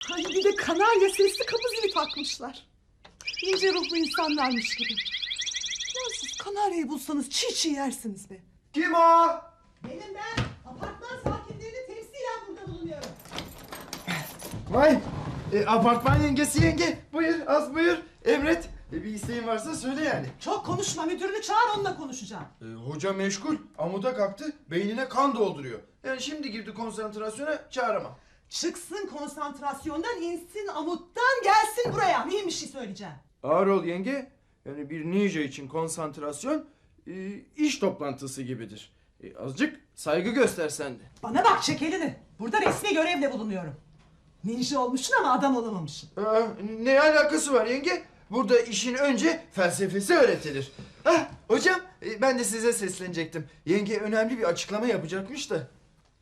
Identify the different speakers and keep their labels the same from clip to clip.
Speaker 1: Ay bir de kanarya sesli kapı zili takmışlar. İnce ruhlu insanlarmış gibi. Ya siz kanaryayı bulsanız çiğ çiğ yersiniz be.
Speaker 2: Kim o?
Speaker 1: Benim ben. Apartman sakinlerini temsilen burada bulunuyorum.
Speaker 2: Vay. Apartman yengesi yenge. Buyur az buyur. Emret. Bir isteğin varsa söyle yani.
Speaker 1: Çok konuşma, müdürünü çağır, onunla konuşacağım.
Speaker 2: Hoca meşgul. Amuda kalktı. Beynine kan dolduruyor. Yani şimdi girdi konsantrasyona, çağıramam.
Speaker 1: Çıksın konsantrasyondan, insin amuttan, gelsin buraya. Mühim bir şey söyleyeceğim.
Speaker 2: Ağır ol yenge. Yani bir ninja için konsantrasyon iş toplantısı gibidir. Azıcık saygı göstersen de.
Speaker 1: Bana bak, çek elini. Burada resmi görevle bulunuyorum. Ninja olmuşsun ama adam olamamışsın.
Speaker 2: Ne alakası var yenge? Burada işin önce felsefesi öğretilir. Hocam ben de size seslenecektim. Yenge önemli bir açıklama yapacakmış da.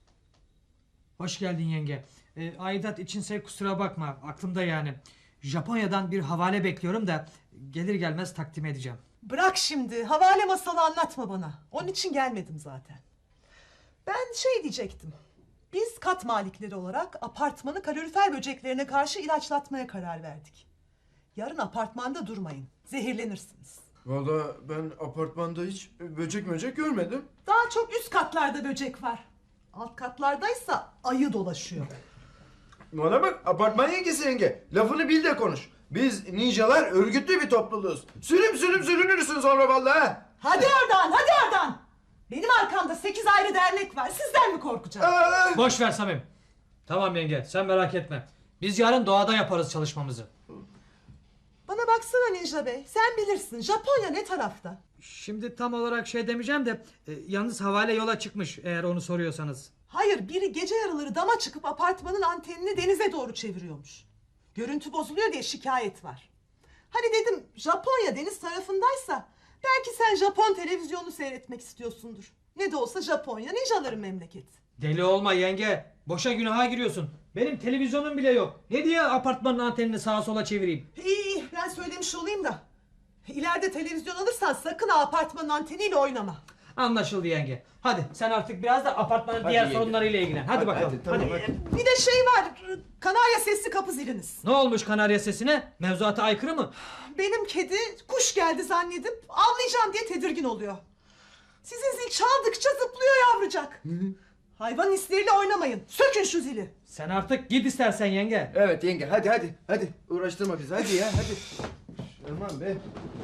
Speaker 3: Hoş geldin yenge. Aidat içinse kusura bakma, aklımda yani. Japonya'dan bir havale bekliyorum da gelir gelmez takdim edeceğim.
Speaker 1: Bırak şimdi, havale masalı anlatma bana. Onun için gelmedim zaten. Ben şey diyecektim. Biz kat malikleri olarak apartmanı kalorifer böceklerine karşı ilaçlatmaya karar verdik. Yarın apartmanda durmayın, zehirlenirsiniz.
Speaker 2: Valla ben apartmanda hiç böcek görmedim.
Speaker 1: Daha çok üst katlarda böcek var. Alt katlardaysa ayı dolaşıyor.
Speaker 2: Bana bak apartman yengesi yenge. Lafını bil de konuş. Biz ninjalar örgütlü bir topluluğuz. Sürüm sürünürsün sonra vallahi.
Speaker 1: Hadi oradan, hadi oradan! Benim arkamda 8 ayrı dernek var. Sizden mi korkacağım?
Speaker 3: Boş ver Samim. Tamam yenge, sen merak etme. Biz yarın doğada yaparız çalışmamızı.
Speaker 1: Bana baksana Ninja Bey. Sen bilirsin. Japonya ne tarafta?
Speaker 3: Şimdi tam olarak şey demeyeceğim de yalnız havale yola çıkmış, eğer onu soruyorsanız.
Speaker 1: Hayır, biri gece yarıları dama çıkıp apartmanın antenini denize doğru çeviriyormuş. Görüntü bozuluyor diye şikayet var. Hani dedim, Japonya deniz tarafındaysa belki sen Japon televizyonu seyretmek istiyorsundur. Ne de olsa Japonya ninjaların memleketi.
Speaker 3: Deli olma yenge. Boşa günaha giriyorsun. Benim televizyonum bile yok. Ne diye apartmanın antenini sağa sola çevireyim?
Speaker 1: İyi, ben söylemiş olayım da. İleride televizyon alırsan sakın ha apartmanın anteniyle oynama.
Speaker 3: Anlaşıldı yenge. Hadi sen artık biraz da apartmanın
Speaker 2: Hadi
Speaker 3: diğer
Speaker 2: yenge.
Speaker 3: sorunlarıyla ilgilen. Hadi bakalım.
Speaker 2: Tamam, hadi.
Speaker 1: Bir de şey var, kanarya sesli kapı ziliniz.
Speaker 3: Ne olmuş kanarya sesine? Mevzuata aykırı mı?
Speaker 1: Benim kedi kuş geldi zannedip avlayacağım diye tedirgin oluyor. Sizin zil çaldıkça zıplıyor yavrucak. Hayvan hisleriyle oynamayın. Sökün şu zili.
Speaker 3: Sen artık git istersen yenge.
Speaker 2: Evet yenge hadi uğraştırma bizi hadi ya hadi. Aman be.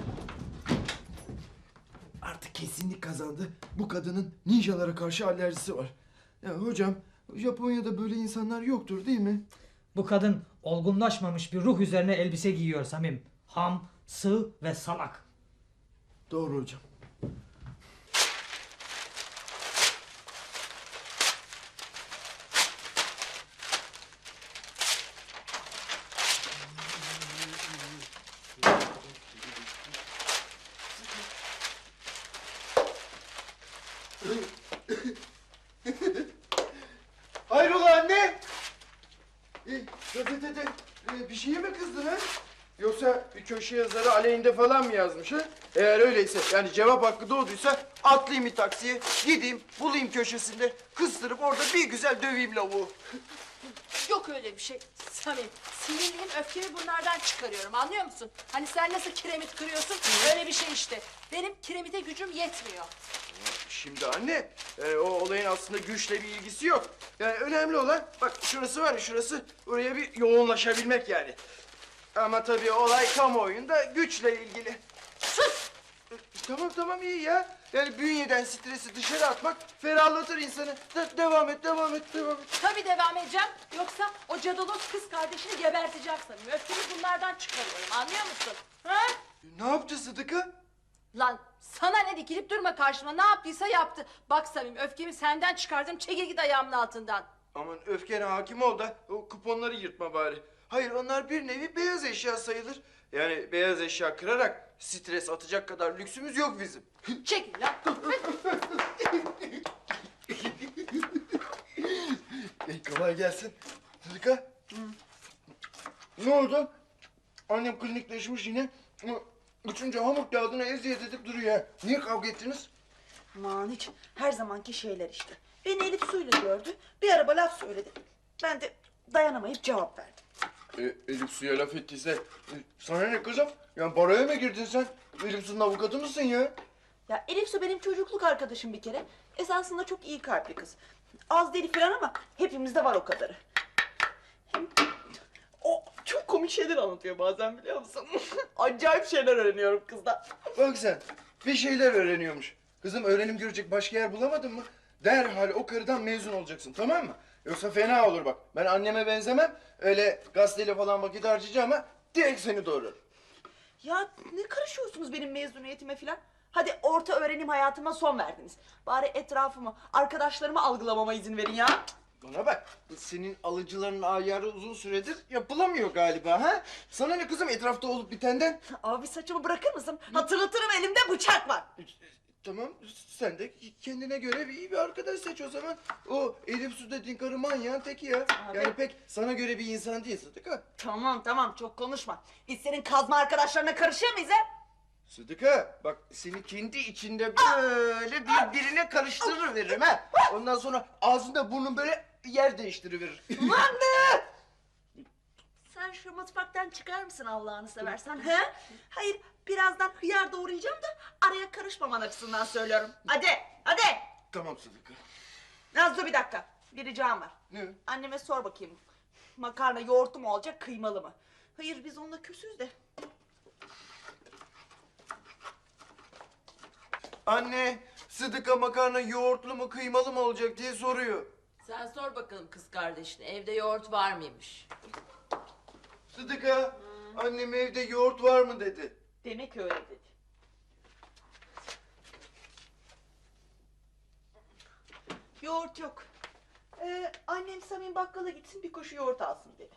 Speaker 2: Artık kesinlik kazandı. Bu kadının ninjalara karşı alerjisi var. Ya hocam Japonya'da böyle insanlar yoktur değil mi?
Speaker 3: Bu kadın olgunlaşmamış bir ruh üzerine elbise giyiyor Samim. Ham, sığ ve salak.
Speaker 2: Doğru hocam. Hayrola anne? Gazetede bir şeye mi kızdın ha? Yoksa bir köşe yazarı aleyhinde falan mı yazmış ha? Eğer öyleyse yani cevap hakkı doğduysa atlayayım bir taksiye, gideyim bulayım köşesinde, kıstırıp orada bir güzel döveyim lavuğu.
Speaker 4: Yok öyle bir şey Samim. Sinirliyim, öfkemi bunlardan çıkarıyorum, anlıyor musun? Hani sen nasıl kiremit kırıyorsun, öyle bir şey işte. Benim kiremite gücüm yetmiyor.
Speaker 2: Şimdi anne, o olayın aslında güçle bir ilgisi yok. Yani önemli olan, bak şurası var ya şurası, oraya bir yoğunlaşabilmek yani. Ama tabii olay kamuoyunda güçle ilgili.
Speaker 4: Sus!
Speaker 2: Tamam iyi ya. Yani bünyeden stresi dışarı atmak ferahlatır insanı. Devam et.
Speaker 4: Tabii devam edeceğim. Yoksa o cadalos kız kardeşini geberteceğim Samim. Öfkemi bunlardan çıkarıyorum, anlıyor musun? Ha?
Speaker 2: Ne yaptı Sıdıka?
Speaker 4: Lan sana ne, dikilip durma karşıma, ne yaptıysa yaptı. Bak Samim, öfkemi senden çıkardım, çekil git ayağımın altından.
Speaker 2: Aman öfkene hakim ol da o kuponları yırtma bari. Hayır onlar bir nevi beyaz eşya sayılır. Yani beyaz eşya kırarak stres atacak kadar lüksümüz yok bizim.
Speaker 4: Çekil lan.
Speaker 2: Kolay gelsin. Sıdıka. Ne oldu? Annem klinikleşmiş yine. Üçüncü hamur kağıdına eziyet edip duruyor ya. Niye kavga ettiniz?
Speaker 5: Aman hiç her zamanki şeyler işte. Beni Elif suyla gördü. Bir araba laf söyledi. Ben de dayanamayıp cevap verdim.
Speaker 2: Elif Su'ya laf ettiyse sana ne kızım? Yani paraya mı girdin sen? Elif Su'nun avukatı mısın ya?
Speaker 5: Ya Elif Su benim çocukluk arkadaşım bir kere. Esasında çok iyi kalpli kız. Az deli falan ama hepimizde var o kadarı. Hem o çok komik şeyler anlatıyor bazen biliyor musun? Acayip şeyler öğreniyorum kızdan.
Speaker 2: Bak sen bir şeyler öğreniyormuş. Kızım öğrenim görecek başka yer bulamadın mı? Derhal o karıdan mezun olacaksın tamam mı? Yoksa fena olur bak. Ben anneme benzemem. Öyle gazeteyle falan vakit harcayacağım ama direkt seni doğurur.
Speaker 5: Ya ne karışıyorsunuz benim mezuniyetime falan? Hadi orta öğrenim hayatıma son verdiniz. Bari etrafımı, arkadaşlarımı algılamama izin verin ya.
Speaker 2: Bana bak, senin alıcıların ayarı uzun süredir yapılamıyor galiba ha? Sana ne kızım etrafta olup bitenden?
Speaker 5: Abi saçımı bırakır mısın? Hatırlatırım elimde bıçak var.
Speaker 2: Tamam, sen de kendine göre bir arkadaş seç o zaman. O Elif Su dediğin karı manyağın teki ya.
Speaker 5: Abi.
Speaker 2: Yani pek sana göre bir insan değil Sıdıka.
Speaker 5: Tamam çok konuşma. Biz senin kazma arkadaşlarına karışıyor muyuz ha?
Speaker 2: Sıdıka, bak seni kendi içinde böyle birbirine karıştırır veririm ha. Ondan sonra ağzında burnun böyle yer değiştiriverir.
Speaker 5: Ulan be! Sen şu mutfaktan çıkar mısın Allah'ını seversen he? Hayır birazdan hıyar doğrayacağım da araya karışmaman açısından söylüyorum. Hadi.
Speaker 2: Tamam Sıdıka.
Speaker 5: Nazlı bir dakika. Bir ricam var.
Speaker 2: Ne?
Speaker 5: Anneme sor bakayım. Makarna yoğurtlu mu olacak kıymalı mı? Hayır biz onunla küsüz de.
Speaker 2: Anne, Sıdıka makarna yoğurtlu mu kıymalı mı olacak diye soruyor.
Speaker 4: Sen sor bakalım kız kardeşine evde yoğurt var mıymış?
Speaker 2: Sıdıka, annem evde yoğurt var mı dedi.
Speaker 5: Demek öyle dedi. Yoğurt yok. Annem Samim bakkala gitsin bir koşu yoğurt alsın dedi.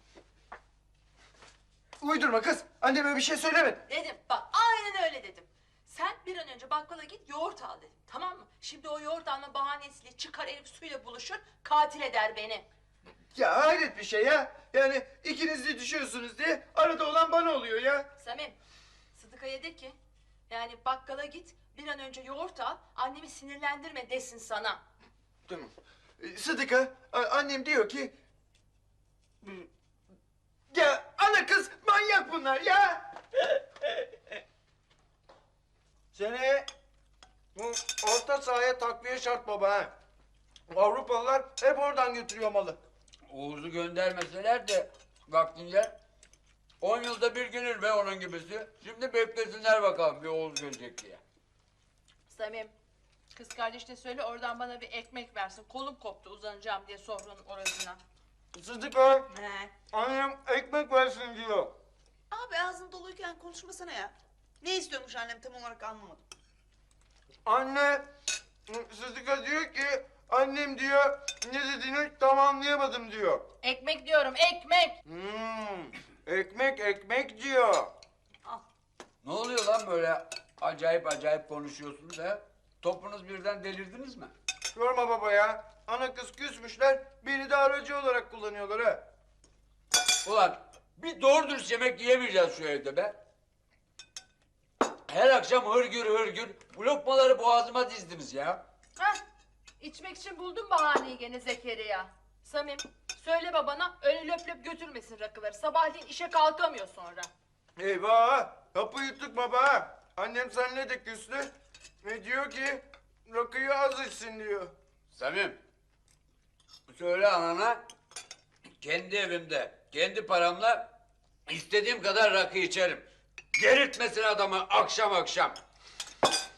Speaker 2: Uydurma kız, anneme bir şey söylemedi.
Speaker 4: Dedim bak aynen öyle dedim. Sen bir an önce bakkala git yoğurt al dedim tamam mı? Şimdi o yoğurt alma bahanesiyle çıkar Elif Su'yla buluşur katil eder beni.
Speaker 2: Ya hayret bir şey ya. Yani ikiniz de düşüyorsunuz diye arada olan bana oluyor ya.
Speaker 4: Samim Sıdıka'ya de ki yani bakkala git bir an önce yoğurt al annemi sinirlendirme desin sana.
Speaker 2: Tamam. Sıdıka, annem diyor ki... Ya ana kız manyak bunlar ya. Seni bu orta sahaya takviye şart baba ha. Avrupalılar hep oradan götürüyor malı.
Speaker 6: Oğuz'u göndermeseler de vaktince 10 yılda bir gelir be onun gibisi. Şimdi beklesinler bakalım bir Oğuz gelecek diye.
Speaker 4: Samim kız kardeşine söyle oradan bana bir ekmek versin kolum koptu uzanacağım diye sofranın orasına.
Speaker 2: Sıdıka,
Speaker 5: He.
Speaker 2: annem ekmek versin diyor.
Speaker 5: Abi ağzın doluyken konuşmasana ya. Ne istiyormuş annem tam olarak anlamadım.
Speaker 2: Anne, Sıdıka diyor ki annem diyor ne dediğini tam anlayamadım diyor.
Speaker 4: Ekmek diyorum ekmek.
Speaker 2: Ekmek diyor.
Speaker 6: Ne oluyor lan böyle acayip konuşuyorsunuz ha? Topunuz birden delirdiniz mi?
Speaker 2: Sorma baba ya. Ana kız küsmüşler, beni de aracı olarak kullanıyorlar ha.
Speaker 6: Ulan bir doğru dürüst yemek yiyemeyeceğiz şu evde be. Her akşam hırgür bu lokmaları boğazıma dizdiniz ya.
Speaker 4: Hah içmek için buldun bahaneyi gene Zekeriya. Samim söyle babana öyle löp löp götürmesin rakıları sabahleyin işe kalkamıyor sonra.
Speaker 2: Eyvah, kapı yuttuk baba. Annem seninle de küstü. Ve diyor ki rakıyı az içsin diyor.
Speaker 6: Samim, söyle anana kendi evimde, kendi paramla istediğim kadar rakı içerim. Delirtmesin adamı akşam.